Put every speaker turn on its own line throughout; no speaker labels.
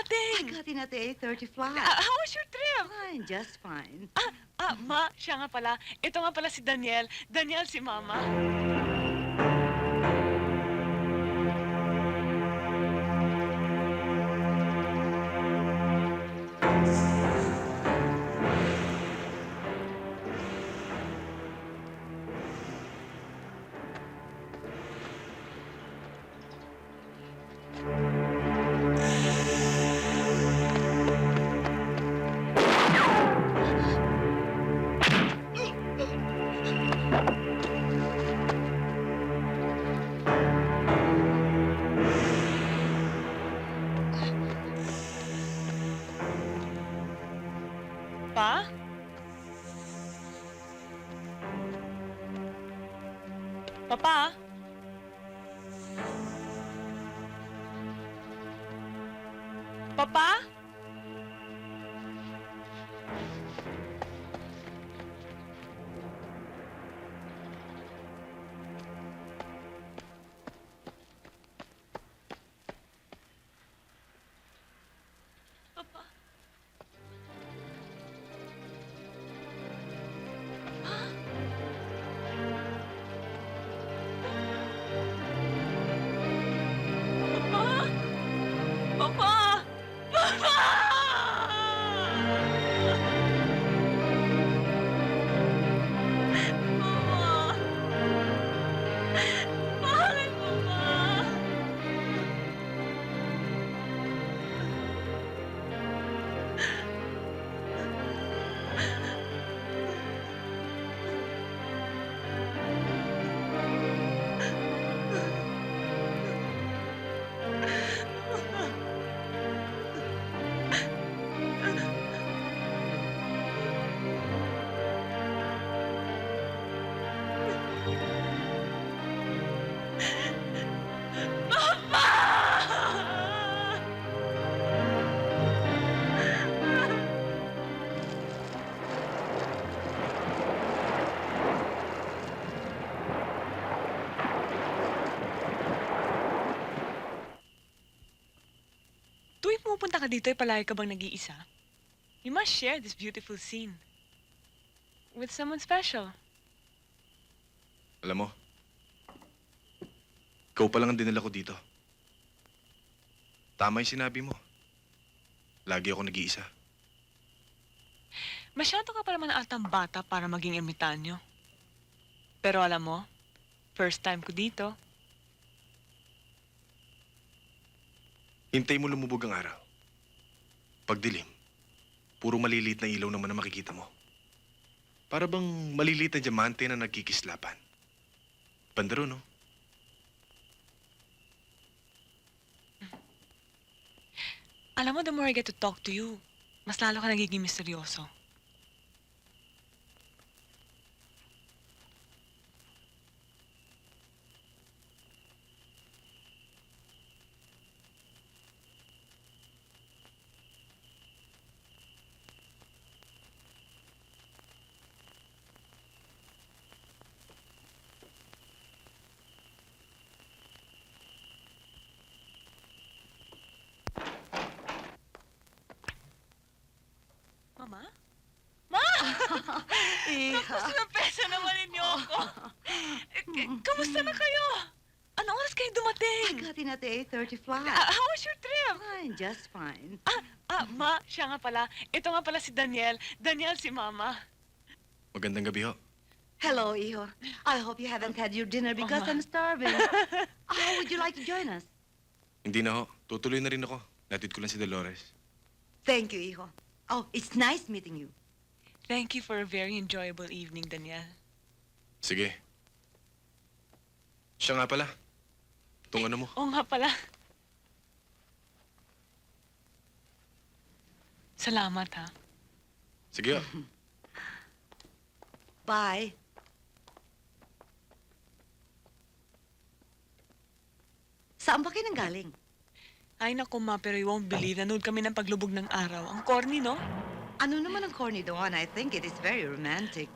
dumating?
got in at the 8:30 flight.
How was your trip?
Fine, just fine.
Ma, siya nga pala. Ito nga pala si Daniel. Daniel si Mama. Pa? Papa? Papa? Papa? Papa? Papa? Papa! Papa! Bakit, Papa? Tuwing pumupunta ka dito, palagi ka bang nag-iisa? You must share this beautiful scene with someone special.
Alam mo, ikaw pa lang ang dinala ko dito. Tama yung sinabi mo. Lagi ako nag-iisa.
Masyado ka pa naman atang bata para maging ermitanyo. Pero alam mo, first time ko dito.
Hintay mo lumubog ang araw. Pagdilim, puro maliliit na ilaw naman ang makikita mo. Para bang maliliit na diamante na nagkikislapan. Bandaro, no?
Alam mo, the more I get to talk to you, mas lalo ka nagiging misteryoso. Mama? Ma!
Iha.
Tapos na pesa naman ninyo ako. Kamusta na kayo? Anong oras kayo
I
dumating?
got in at the 8:30 flight.
How was your trip?
Fine, just fine.
Ma, siya nga pala. Ito nga pala si Daniel. Daniel si Mama.
Magandang gabi ho.
Hello, Iho. I hope you haven't had your dinner because
Ma.
I'm starving. How would you like to join us?
Hindi na ho. Tutuloy na rin ako. Natid ko lang si Dolores.
Thank you, Iho. Oh, it's nice meeting you.
Thank you for a very enjoyable evening, Daniel.
Sige. Siya nga pala. Itong ano mo.
Oo nga pala. Salamat, ha?
Sige ho.
Bye. Saan ba kayo nanggaling?
Ay, naku, Ma, pero you won't believe, nanood kami ng paglubog ng araw. Ang corny, no?
Ano naman ang corny doon? I think it is very romantic.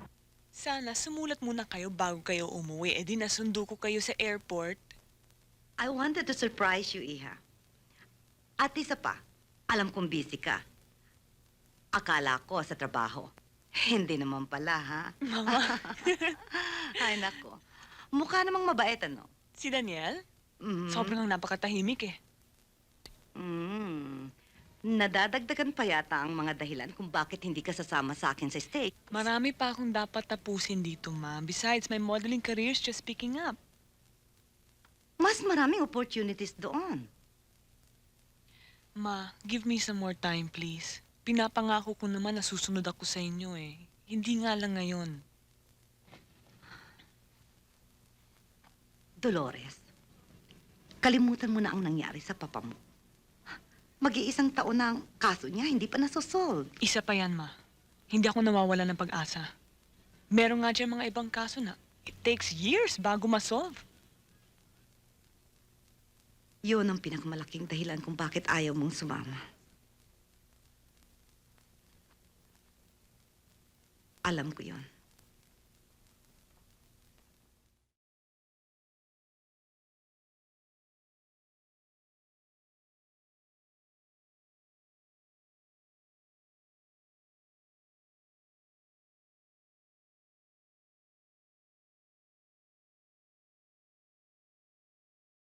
Sana sumulat muna kayo bago kayo umuwi. Eh di nasundo ko kayo sa airport.
I wanted to surprise you, Iha. At isa pa, alam kong busy ka. Akala ko sa trabaho. Hindi naman pala, ha?
Mama,
Ay, nako. Mukha namang mabait, ano?
si Daniel?
Mhm.
Sobrang napakatahimik eh.
Nadadagdagan pa yata ang mga dahilan kung bakit hindi ka sasama sa akin sa steak.
Marami pa akong dapat tapusin dito, ma. Besides, my modeling career is just picking up.
Mas maraming opportunities doon.
Ma, give me some more time, please. Pinapangako ko naman na susunod ako sa inyo eh. Hindi nga lang ngayon.
Dolores, kalimutan mo na ang nangyari sa papa mo. Mag-iisang taon na ang kaso niya, hindi pa nasosolve.
Isa pa yan, ma. Hindi ako nawawala ng pag-asa. Meron nga dyan mga ibang kaso na it takes years bago ma-solve.
Yun ang pinakamalaking dahilan kung bakit ayaw mong sumama. Alam ko yun.